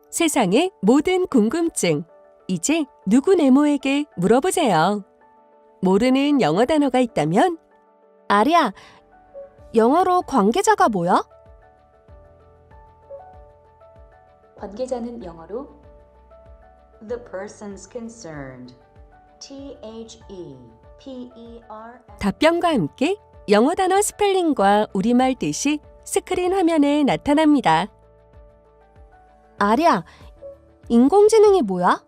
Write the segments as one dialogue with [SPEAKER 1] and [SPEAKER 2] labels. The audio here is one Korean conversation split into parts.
[SPEAKER 1] 세상의 모든 궁금증, 이제 누구 네모에게 물어보세요. 모르는 영어 단어가 있다면
[SPEAKER 2] 아리야, 영어로 관계자가 뭐야?
[SPEAKER 3] 관계자는 영어로 the persons concerned. THEPER.
[SPEAKER 1] 답변과 함께 영어 단어 스펠링과 우리말 뜻이 스크린 화면에 나타납니다.
[SPEAKER 2] 아리야, 인공지능이 뭐야?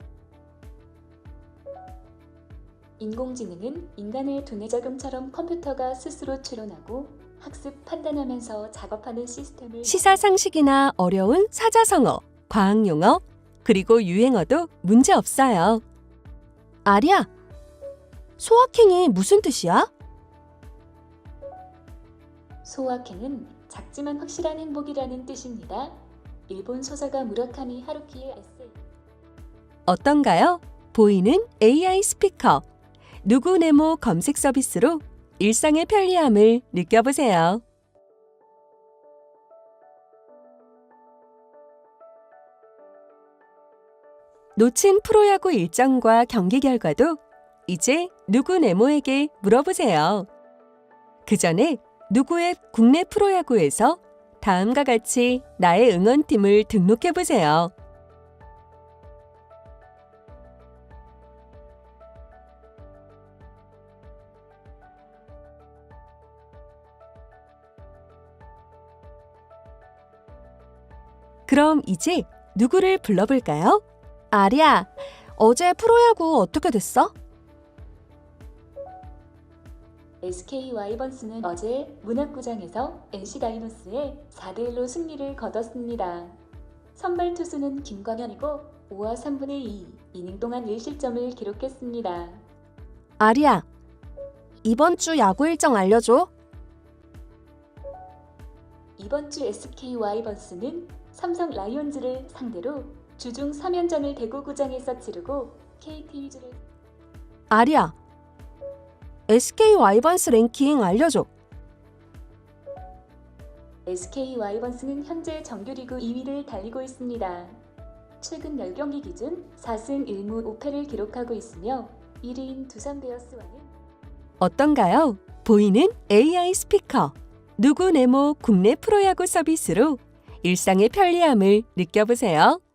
[SPEAKER 3] 인공지능은 인간의 두뇌 작용처럼 컴퓨터가 스스로 추론하고 학습, 판단하면서 작업하는 시스템을
[SPEAKER 1] 시사상식이나 어려운 사자성어, 과학용어, 그리고 유행어도 문제 없어요.
[SPEAKER 2] 아리야, 소확행이 무슨 뜻이야?
[SPEAKER 3] 소확행은 작지만 확실한 행복이라는 뜻입니다. 일본 소설가 무라카미 하루키의 에세이.
[SPEAKER 1] 어떤가요? 보이는 AI 스피커. 누구 네모 검색 서비스로 일상의 편리함을 느껴보세요. 놓친 프로야구 일정과 경기 결과도 이제 누구 네모에게 물어보세요. 그 전에 누구의 국내 프로야구에서 다음과 같이 나의 응원팀을 등록해보세요. 그럼 이제 누구를 불러볼까요?
[SPEAKER 2] 아리야, 어제 프로야구 어떻게 됐어?
[SPEAKER 3] SK 와이번스는 어제 문학구장에서 NC 다이노스에 4대1로 승리를 거뒀습니다. 선발 투수는 김광현이고 5와 3분의 2 이닝 동안 1실점을 기록했습니다.
[SPEAKER 2] 아리야, 이번 주 야구 일정 알려줘.
[SPEAKER 3] 이번 주 SK 와이번스는 삼성 라이온즈를 상대로 주중 3연전을 대구구장에서 치르고 KT 위즈를
[SPEAKER 2] 아리야, SK 와이번스 랭킹 알려줘.
[SPEAKER 3] SK 와이번스는 현재 정규리그 2위를 달리고 있습니다. 최근 10경기 기준 4승 1무 5패를 기록하고 있으며 1위인 두산 베어스와는
[SPEAKER 1] 어떤가요? 보이는 AI 스피커. 누구 네모 국내 프로야구 서비스로 일상의 편리함을 느껴보세요.